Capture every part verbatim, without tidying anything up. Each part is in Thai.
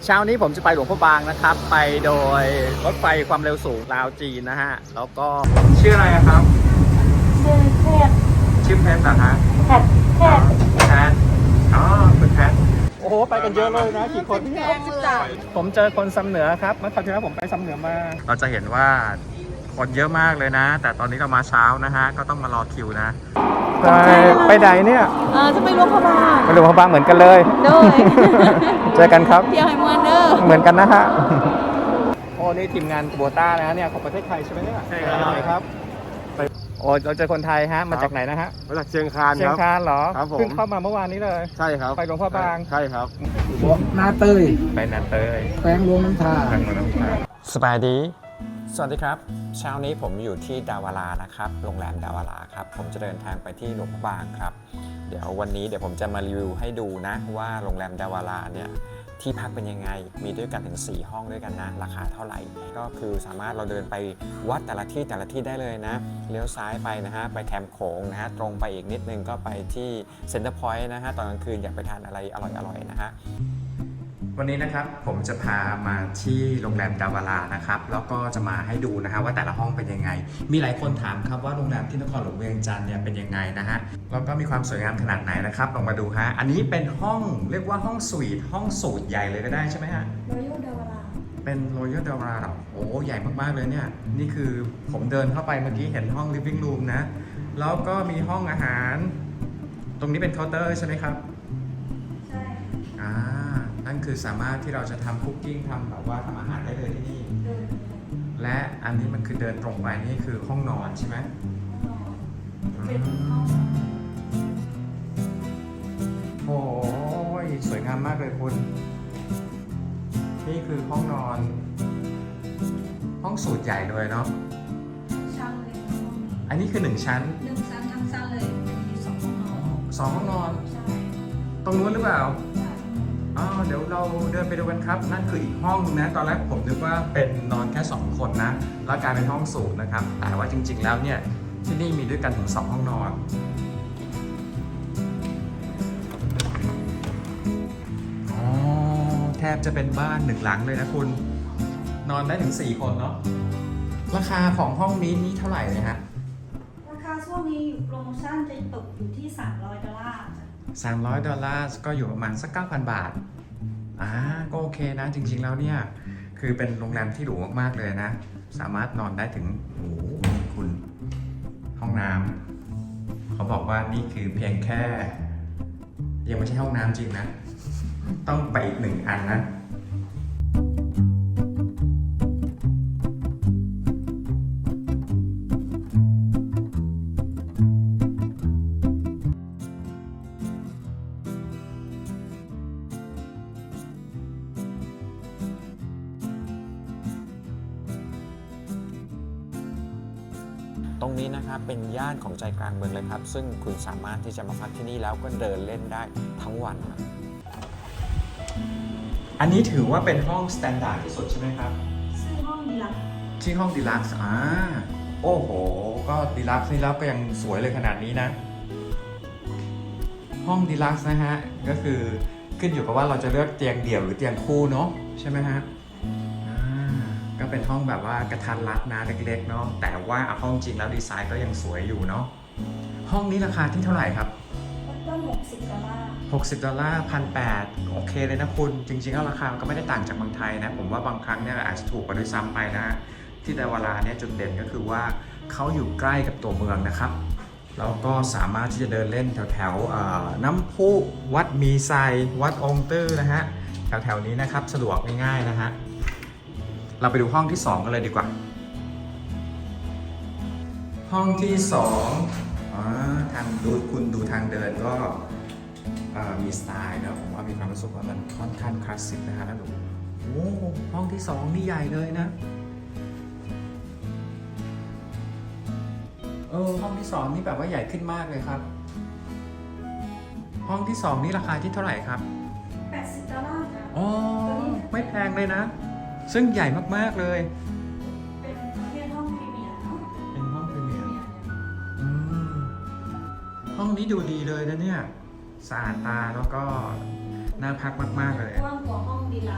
เช้านี้ผมจะไปหลวงพ่อบางนะครับไปโดยรถไฟความเร็วสูงลาวจีนนะฮะแล้วก็ชื่ออะไรครับชื่อแพทย์ชื่อแพทย์นะฮะแพทย์แพทย์แพทย์อ๋อคุณแพทย์โอ้โหไปกันเยอะเลยนะกี่คนผมเจอคนซ้ำเหนือครับเมื่อคราวที่แล้วผมไปซ้ำเหนือมาเราจะเห็นว่าคนเยอะมากเลยนะแต่ตอนนี้เรามาเช้านะฮะก็ต้องมารอคิวนะไปไปไหนเนี่ยเออจะไปหลวงพ่อบางไปหลวงพ่อบางเหมือนกันเลยด้วยเจอกันครับเที่ยวให้มวนเด้อเหมือนกันนะฮะโอ้นี่ทีมงานโบต้านะเนี่ยของประเทศไทยใช่ไหมเนี่ยใช่ครับโอ้เราเจอคนไทยฮะมาจากไหนนะฮะมาจากเชียงคานครับเชียงคานเหรอครับผมเพิ่งเข้ามาเมื่อวานนี้เลยใช่ครับไปหลวงพ่อบางใช่ครับนาเตยไปนาเตยแขวงหลวงน้ำทาแขวงหลวงน้ำทาสบายดีสวัสดีครับเช้านี้ผมอยู่ที่ดาวารานะครับโรงแรมดาวาราครับผมจะเดินทางไปที่หลวงพ่อบางครับเดี๋ยววันนี้เดี๋ยวผมจะมารีวิวให้ดูนะว่าโรงแรมดาวาราเนี่ยที่พักเป็นยังไงมีด้วยกันถึงสี่ห้องด้วยกันนะราคาเท่าไหร่ก็คือสามารถเราเดินไปวัดแต่ละที่แต่ละที่ได้เลยนะเลี้ยวซ้ายไปนะฮะไปแคมป์โขงนะฮะตรงไปอีกนิดนึงก็ไปที่เซ็นเตอร์พอยต์นะฮะตอนกลางคืนอยากไปทานอะไรอร่อยๆนะฮะวันนี้นะครับผมจะพามาที่โรงแรมดาวารานะครับแล้วก็จะมาให้ดูนะฮะว่าแต่ละห้องเป็นยังไงมีหลายคนถามครับว่าโรงแรมที่นครหลวงเวียงจันทร์เนี่ยเป็นยังไงนะฮะแล้วก็มีความสวยงามขนาดไหนนะครับลองมาดูฮะอันนี้เป็นห้องเรียกว่าห้องสวีทห้องสูทใหญ่เลยก็ได้ใช่ไหมฮะ Royal ดาวาราเป็นโรยัลดาวาราโอ้ใหญ่มากๆเลยเนี่ยนี่คือผมเดินเข้าไปเมื่อกี้เห็นห้อง living room นะแล้วก็มีห้องอาหารตรงนี้เป็นเคาน์เตอร์ใช่ไหมครับใช่อ่านั่นคือสามารถที่เราจะทำคุกกิ้งทำแบบว่าทำอาหารได้เลยที่นี่และอันนี้มันคือเดินตรงไปนี่คือห้องนอนใช่ไหมโอ้ยสวยงามมากเลยคุณนี่คือห้องนอนห้องสูทใหญ่เลยเนาะชั้นเลยอันนี้คือหนึ่งชั้นหนึ่งชั้นทั้งชั้นเลยมีสองห้องนอนสองห้องนอนใช่ตรงนู้นหรือเปล่าอ๋อเดี๋ยวเราเดินไปดูกันครับนั่นคืออีกห้องนึงนะตอนแรกผมนึกว่าเป็นนอนแค่สองคนนะแล้วกลายเป็นห้องสูทนะครับแต่ว่าจริงๆแล้วเนี่ยที่นี่มีด้วยกันถึงสองห้องนอนอ๋อแทบจะเป็นบ้านหนึ่งหลังเลยนะคุณนอนได้ถึงสี่คนเนาะราคาของห้องนี้นี่เท่าไหร่เลยฮะราคาช่วงนี้อยู่โปรโมชั่นจะตกอยู่ที่สามร้อยดอลลาร์สามร้อยดอลลาร์ก็อยู่ประมาณสัก เก้าพัน บาทอ่าก็โอเคนะจริงๆแล้วเนี่ยคือเป็นโรงแรมที่หรูมากๆเลยนะสามารถนอนได้ถึงโอ้โหคุณห้องน้ำเขาบอกว่านี่คือเพียงแค่ยังไม่ใช่ห้องน้ำจริงนะต้องไปอีกหนึ่งอันนะตรงนี้นะครับเป็นย่านของใจกลางเมืองเลยครับซึ่งคุณสามารถที่จะมาพักที่นี่แล้วก็เดินเล่นได้ทั้งวันอันนี้ถือว่าเป็นห้องสแตนดาร์ดที่สุดใช่ไหมครับชื่อห้องดีลักซ์ที่ห้องดีลักซ์อ่าโอ้โหก็ดีลักซ์นี่แล้วก็ยังสวยเลยขนาดนี้นะห้องดีลักซ์นะฮะก็คือขึ้นอยู่กับว่าเราจะเลือกเตียงเดี่ยวหรือเตียงคู่เนาะใช่ไหมฮะก็เป็นห้องแบบว่ากระทัดรัดนะเล็กๆเนาะแต่ว่าเอาห้องจริงแล้วดีไซน์ก็ยังสวยอยู่เนาะห้องนี้ราคาที่เท่าไหร่ครับต้นหกสิบดอลลาร์หกสิบดอลลาร์พันแปดโอเคเลยนะคุณจริงๆแล้วราคามันก็ไม่ได้ต่างจากเมืองไทยนะผมว่าบางครั้งเนี่ยอาจจะถูกกว่าด้วยซ้ำไปนะที่ดาวาราเนี่ยจุดเด่นก็คือว่าเขาอยู่ใกล้กับตัวเมืองนะครับแล้วก็สามารถที่จะเดินเล่นแถวๆน้ำพุวัดมีไซวัดองค์ตื้อนะฮะแถวๆนี้นะครับสะดวกง่ายๆนะฮะเราไปดูห้องที่สองกันเลยดีกว่าห้องที่สองอ๋อทางดูคุณดูทางเดินก็มีสไตล์นะผมว่ามีความรู้สึกว่ามันค่อนข้างคลาสสิกนะฮะแล้วดูโอ้ห้องที่สองนี่ใหญ่เลยนะเออห้องที่สองนี่แบบว่าใหญ่ขึ้นมากเลยครับห้องที่สองนี่ราคาที่เท่าไหร่ครับแปดสิบดอลลาร์อ๋อไม่แพงเลยนะซึ่งใหญ่มากๆเลยเป็นประเภทห้องพรีเมียร์เนาะเป็นห้องพรีเมียร์อืมห้องนี้ดูดีเลยนะเนี่ยสะอาดตาแล้วก็น่าพักมากๆเลยกว้างกว่าห้องดีลักซ์นะ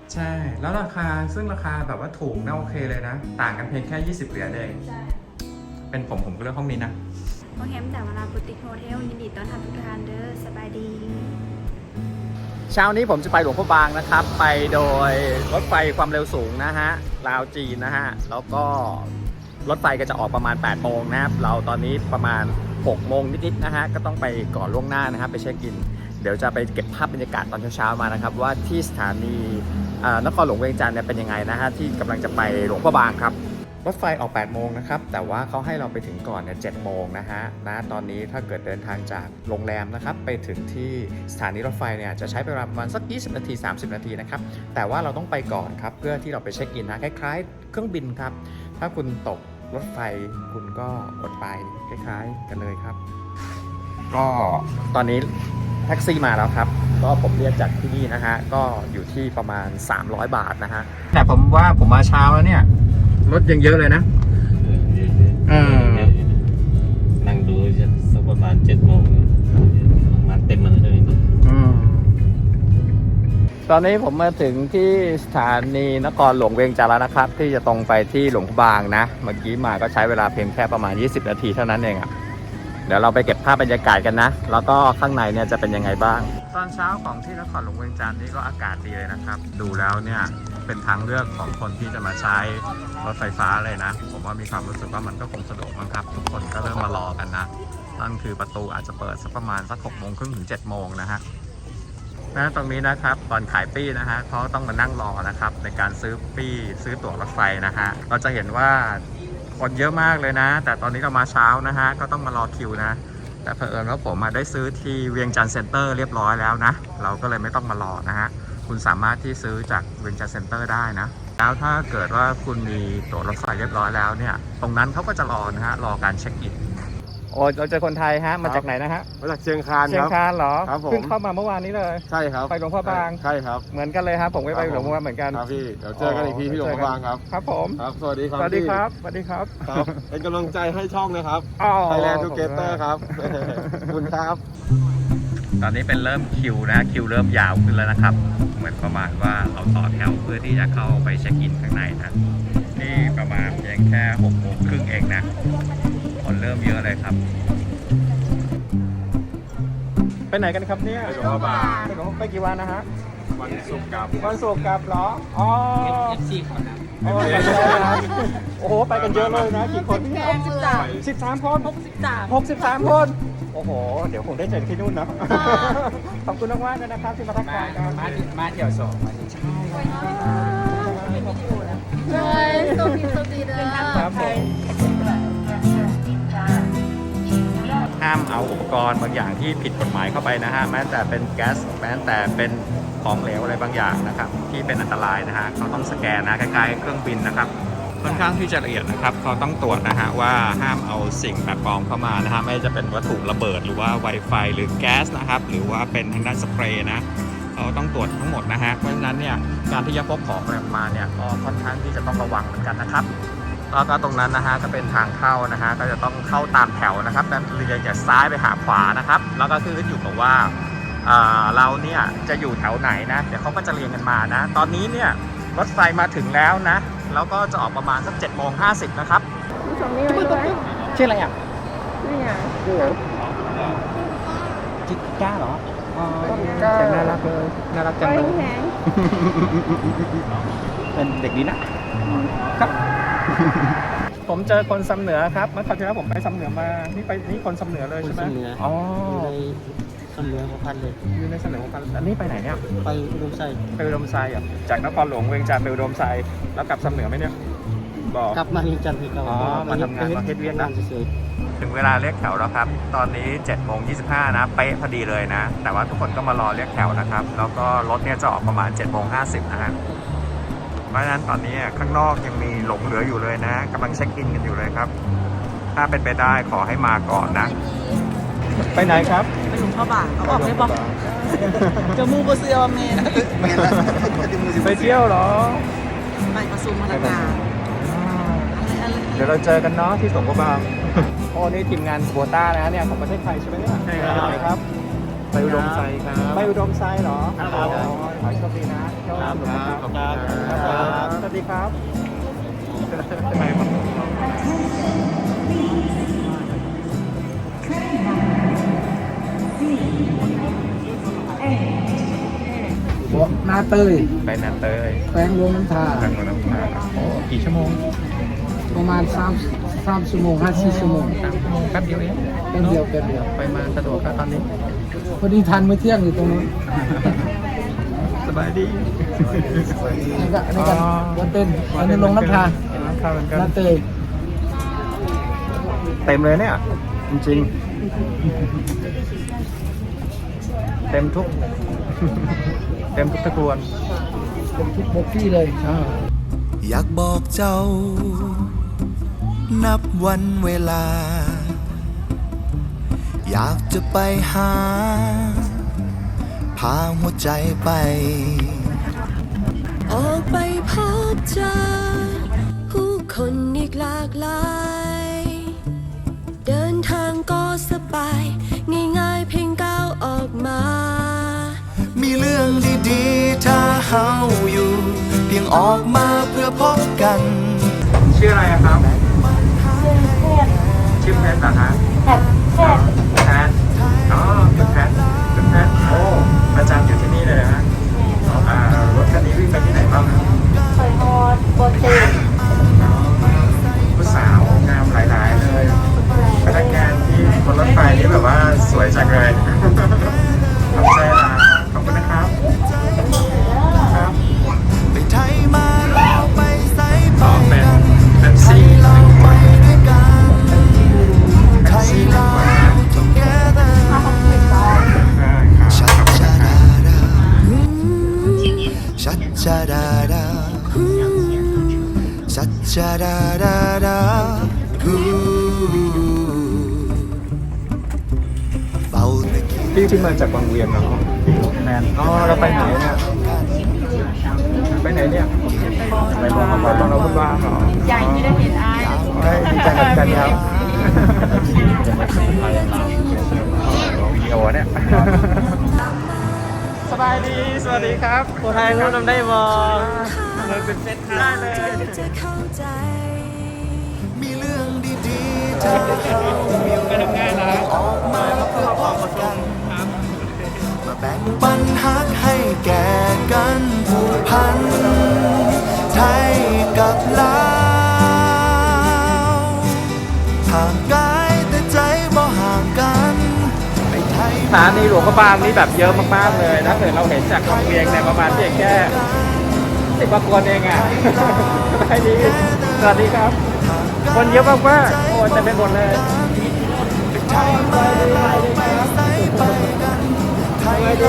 ใช่แล้วราคาซึ่งราคาแบบว่าถูกน่าโอเคเลยนะ ต่างกันเพียงแค่ยี่สิบเหรียญเองใช่เป็นผมผมก็เลือกห้องนี้นะโรงแรมแต่เวลาบุติกโฮเทลยินดีต้อนรับทุกท่านเด้อสบายดีเช้านี้ผมจะไปหลวงพระบางนะครับ ไปโดยรถไฟความเร็วสูงนะฮะลาวจีนนะฮะแล้วก็รถไฟก็จะออกประมาณแปดโมงนะครับเราตอนนี้ประมาณหกโมงนิดๆนะฮะก็ต้องไปก่อนล่วงหน้านะครับไปเช็คอิน เดี๋ยวจะไปเก็บภาพบรรยากาศตอนเช้าๆมานะครับว่าที่สถานีอ่านครหลวงเวียงจันทร์เนี่ยเป็นยังไงนะฮะที่กำลังจะไปหลวงพระบางครับรถไฟออกแปดโมงนะครับแต่ว่าเขาให้เราไปถึงก่อนเนี่ยเจ็ดโมงนะฮะนะตอนนี้ถ้าเกิดเดินทางจากโรงแรมนะครับไปถึงที่สถานีรถไฟเนี่ยจะใช้เวลาประมาณสักยี่สิบนาทีสามสิบนาทีนะครับแต่ว่าเราต้องไปก่อนครับเพื่อที่เราไปเช็คอินนะคล้ายๆ เครื่องบินครับถ้าคุณตกรถไฟคุณก็อดไปคล้ายๆกันเลยครับก็ตอนนี้แท็กซี่มาแล้วครับก็ผมเรียกจากที่นี่นะฮะก็อยู่ที่ประมาณสามร้อยบาทนะฮะแต่ผมว่าผมมาเช้าแล้วเนี่ยรถยังเยอะเลยนะเออนั่งดูสักประมาณเจ็ดโมงประมาณเต็มมันเลยอืมตอนนี้ผมมาถึงที่สถานีนครหลวงเวียงจันทร์แล้วนะครับ ที่จะตรงไปที่หลวงพระบางนะเมื่อกี้มาก็ใช้เวลาเพียงแค่ประมาณยี่สิบนาทีเท่านั้นเองอะเดี๋ยวเราไปเก็บภาพบรรยากาศกันนะแล้วก็ข้างในเนี่ยจะเป็นยังไงบ้าง ตอนเช้าของที่นครหลวงเวียงจันทร์นี่ก็อากาศดีเลยนะครับดูแล้วเนี่ยเป็นทางเลือกของคนที่จะมาใช้รถไฟฟ้าเลยนะผมว่ามีความรู้สึกว่ามันก็คงสะดวกมั้งครับทุกคนก็เริ่มมารอกันนะนั่นคือประตูอาจจะเปิดสักประมาณสักหกโมงครึ่งถึงเจ็ดโมงนะฮะนะตรงนี้นะครับตอนขายปี้นะฮะเขาต้องมานั่งรอนะครับในการซื้อปี้ซื้อตั๋วรถไฟนะฮะเราจะเห็นว่าคนเยอะมากเลยนะแต่ตอนนี้เรามาเช้านะฮะก็ต้องมารอคิวนะแต่เผอิญว่าผมมาได้ซื้อที่เวียงจันทร์เซ็นเตอร์เรียบร้อยแล้วนะเราก็เลยไม่ต้องมารอนะฮะคุณสามารถที่ซื้อจากเวียงจันทร์เซ็นเตอร์ได้นะแล้วถ้าเกิดว่าคุณมีตั๋วรถไฟเรียบร้อยแล้วเนี่ยตรงนั้นเขาก็จะรอนะฮะรอการเช็คอินโอ้เราเจอคนไทยฮะมาจากไหนนะฮะมาจากเชียงคานเชียคงรับคานเหรอครับผมเพิ่งเข้ามาเมื่อวานนี้เลยใช่ครับไปหลวงพระบางใช่ครับเหมือนกันเลยครับผมก็ไปหลวงพระบางเหมือนกันครับพี่เดี๋ยวเจอกันอีกทีที่หลวงพระบางครับครับผมครับสวัสดีครับสวัสดีพี่ครับสวัสดีครับครับ เป็นกำลังใจให้ช่องนะครับอ๋อ Thailand Together ครับ ขอบคุณครับตอนนี้เป็นเริ่มคิวนะคิวเริ่มยาวขึ้นแล้วนะครับ เหมือนประมาณว่าเราต่อแถวเพื่อที่จะเข้าไปเช็คอินข้างในนะนี่ประมาณเพียงแค่หกโมงครึ่งเองนะคนเริ่มเยอะเลยครับไปไหนกันครับเนี่ยไปหลวงพระบางไปหลวงไปกี่วันนะฮะวันศุกร์กับวันศุกร์กลับเหรออ๋อเอฟซีเขานะโอ้โหโอ้โหไปกันเยอะเลยนะกี่คนพี่หกสิบสามสิบสามคนหกสิบสามหกสิบสามคน โอ้โห เดี๋ยวผมได้เจอที่นู่นเนาะ ขอบคุณมากๆเลยนะครับที่มาทักทายกันมามาเที่ยวสองมาที่เลยสวัสดีสวัสดีเด้อครับผมห้ามเอาอุปกรณ์บางอย่างที่ผิดกฎหมายเข้าไปนะฮะ แม้แต่เป็นแก๊ส แม้แต่เป็นของเหลวอะไรบางอย่างนะครับ ที่เป็นอันตรายนะฮะ เขาต้องสแกนนะคล้ายๆเครื่องบินนะครับ ค่อนข้างที่จะละเอียดนะครับเขาต้องตรวจนะฮะว่าห้ามเอาสิ่งแปลกปลอมเข้ามานะฮะไม่ว่าจะเป็นวัตถุระเบิดหรือว่า Wi-Fi หรือแก๊สนะครับหรือว่าเป็นทางด้านสเปรย์นะเขาต้องตรวจทั้งหมดนะฮะเพราะฉะนั้นเนี่ยการที่จะพกของอะไรมาเนี่ยก็ค่อนข้างที่จะต้องระวังเหมือนกันนะครับแล้วก็ตรงนั้นนะฮะก็เป็นทางเข้านะฮะก็จะต้องเข้าตามแถวนะครับนั่นเรียงจากซ้ายไปหาขวานะครับแล้วก็คืออยู่กับว่าเราเนี่ยจะอยู่แถวไหนนะเดี๋ยวเขาก็จะเรียงกันมานะตอนนี้เนี่ยรถไฟมาถึงแล้วนะแล้วก็จะออกประมาณสักเจ็ดโมงห้าสิบนะครับสองนี้ไว้ด้วยชื่ออะไรอ่ะนี่ไงจิก้าเหรออ๋อเสียงน่ารักเลยน่ารักจังไว้เลยแหงเป็นเด็กดีนะครับ ผมเจอคนสำเหนือครับเมื่อคราวที่แล้วผมไปสำเหนือมานี่ไปนี่คนสำเหนือเลยใช่ไหมคนสำเหนืออ๋ออยู่ในสำเหนือของพันเลยอยู่ในสำเหนือของพันอันนี้ไปไหนเนี่ยไปอุดมไซไปอุดมไซด์อ่ะจากนครหลวงเวียงจันทร์ไปอุดมไซด์แล้วกลับสำเหนือไหมเนี่ยบอกกลับมาเรียนจันทร์ที่เก่าอ๋อมาทำงานมาเฮ็ดเวียกนะเฉยถึงเวลาเรียกแถวแล้วครับ ตอนนี้เจ็ดโมงยี่สิบห้านะ เป๊ะพอดีเลยนะ แต่ว่าทุกคนก็มารอเรียกแถวนะครับ แล้วก็รถเนี่ยจะออกประมาณเจ็ดโมงห้าสิบนะฮะ เพราะฉะนั้นตอนนี้ข้างนอกยังมีหลงเหลืออยู่เลยนะกำลังเช็คอินกันอยู่เลยครับ ถ้าเป็นไปได้ขอให้มาก่อนนะ ไปไหนครับไปหลวงพ่อบางเอาออกได้บอกจะมูบเซียวเมนไปเที่ยวเหรอไปประสุมพนักงานอะไรอะไรเดี๋ยวเราเจอกันเนาะที่หลวงพระบางโอ้นี่ทีมงานโควต้านะเนี่ยของประเทศไทยใช่ไหมเนี่ยใช่ครับครับ ผไปอุดมไซครับไปอุดมไซด์เหรอครับอ๋อขอให้โชคดีนะโชคดีครับครับขอบคุณครับครับสวัสดีครับไปมาเบาะหน้าเตยไปนาเตยแปลงลงน้ำทาทางนน้ำตาโอ้กี่ชั่วโมงประมาณสามสามชั่วโมงห้าสี่ชั่วโมงสามชั่วโมงแป๊บเดียวเองแป๊บเดียวแป๊บเดียวไปมาสะดวกครับตอนนี้พอดีทันมื้อเที่ยงอยู่ตรงนู้นสบายดีนี่ก็นี่ก็วันเต้นอันนี้ลงน้ำทาน้ำตาเหมือนกันหน้าเตยเต็มเลยเนี่ย จริงๆ เต็มทุก เต็มทุกตะกรวนเป็นทุกบกที่เลยอ่าอยากบอกเจ้า นับวันเวลา อยากจะไปหา พาหัวใจไปออกไปพบเจอผู้คนอีกหลากหลาย เดินทางก็สบาย ง่ายๆเพียงก้าวออกมามีเรื่องดีๆ ถ้าเฮาอยู่ เพียงออกมาเพื่อพบกันชื่ออะไรอะครับ ชื่อเพชรเหรอฮะแพทแพทอ๋อคุณแพทคุณแพทโอ้ประจำอยู่ที่นี่เลยนะฮะอ่ารถคันนี้วิ่งไปที่ไหนบ้างครับเคยฮอดโปรเจกต์ผู้สาวงามหลายๆเลยพนักงานที่บนรถไฟนี่แบบว่าสวยจังเลยขอบใจนะขอบคุณนะครับครับไปไทยมาแล้วไปไสไปต่อเป็นกันเป็นซี่เราไปด้วยกันไทยเรา together ชัดชาดาดาชัดชาดาดาชัดชาดาดาดาฮูเบาตะกี้พี่ที่มาจากบางเวียนเนาะแมนอ๋อเราไปไหนเนี่ย ไปไหนเนี่ย ไปมองมาตอนเราพูดว่าเหรอใหญ่ที่ได้เห็นอายเฮ้ยดีใจกับกันครับวิดีโอเนี่ยสบายดี สวัสดีครับคนไทยรู้นำได้บ่เราเป็นเซตได้เลยจะเข้าใจมีเรื่องดีๆที่เราไปทำงานนะออกมาเพื่อพบกันมาแบ่งปันฮักให้แก่กันผูกพันไทยกับลาวห่างกายแต่ใจบ่ห่างกันไปไทยสถานีหลวงพระบางนี่แบบเยอะมากๆเลยนะเกิดเราเห็นจากบางเวียงในยประมาณเพียงแค่สิบกว่าคนเองอ่ะ สบายดี สวัสดีครับ คนเยอะมากๆโอ้เต็มไปหมดเลยไทยมาแล้วไปไสไปกันไทยเรา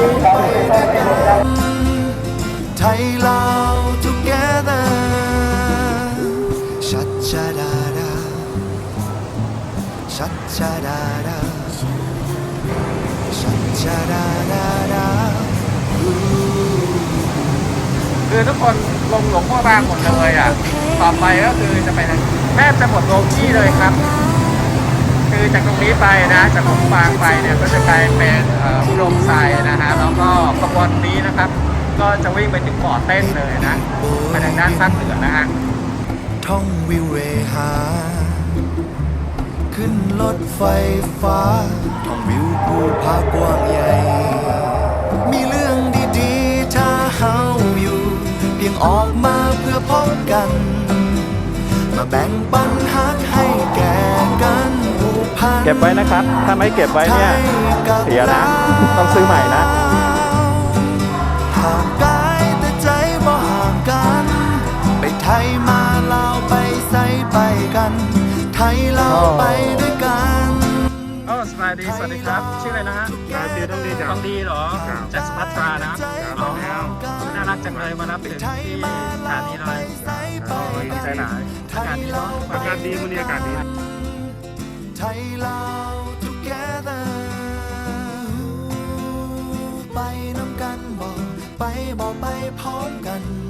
ไทยลาว together ชัดชาดาดาชัดชาดาดาชัดชาดาดาดาคือทุกคนลงหลวงพ่อบางหมดเลยอ่ะ ต่อไปก็คือจะไปทางแทบจะหมดโลกี้เลยครับ คือจากตรงนี้ไปนะ จากหลวงพ่อบางไปเนี่ยก็จะกลายเป็นเอ่ออุดมไซด์นะฮะ แล้วก็ขบวนนี้นะครับ ก็จะวิ่งไปถึงบ่อเต้นเลยนะ ไปทางด้านภาคเหนือนะฮะท่องวิวเวหา ขึ้นรถไฟฟ้า ท่องวิวภูผากว้างใหญ่ มีเรื่องดีๆ ถ้าเฮาอยู่ เพียงออกมาเพื่อพบกัน มาแบ่งปันฮักให้แก่กันผูกพันเก็บไว้นะครับ ถ้าไม่เก็บไว้เนี่ย เสียนะ ต้องซื้อใหม่นะห่างกายแต่ใจบ่ห่างกัน ไปไทยมาลาวไปไสไปกัน ไทยลาวไปด้วยกันโอ้สบายดี สวัสดีครับ ชื่ออะไรนะฮะชื่อต้องดีจ้ะต้องดีเหรอครับจากสุภัทรานะอ๋อน่ารักจังเลยมารับถึงที่สถานีเลยดีใจหนาอากาศดีเนาะอากาศดีวันนี้อากาศดีไทยลาว together ไปน้ำกันบอกไปบอกไปพร้อมกัน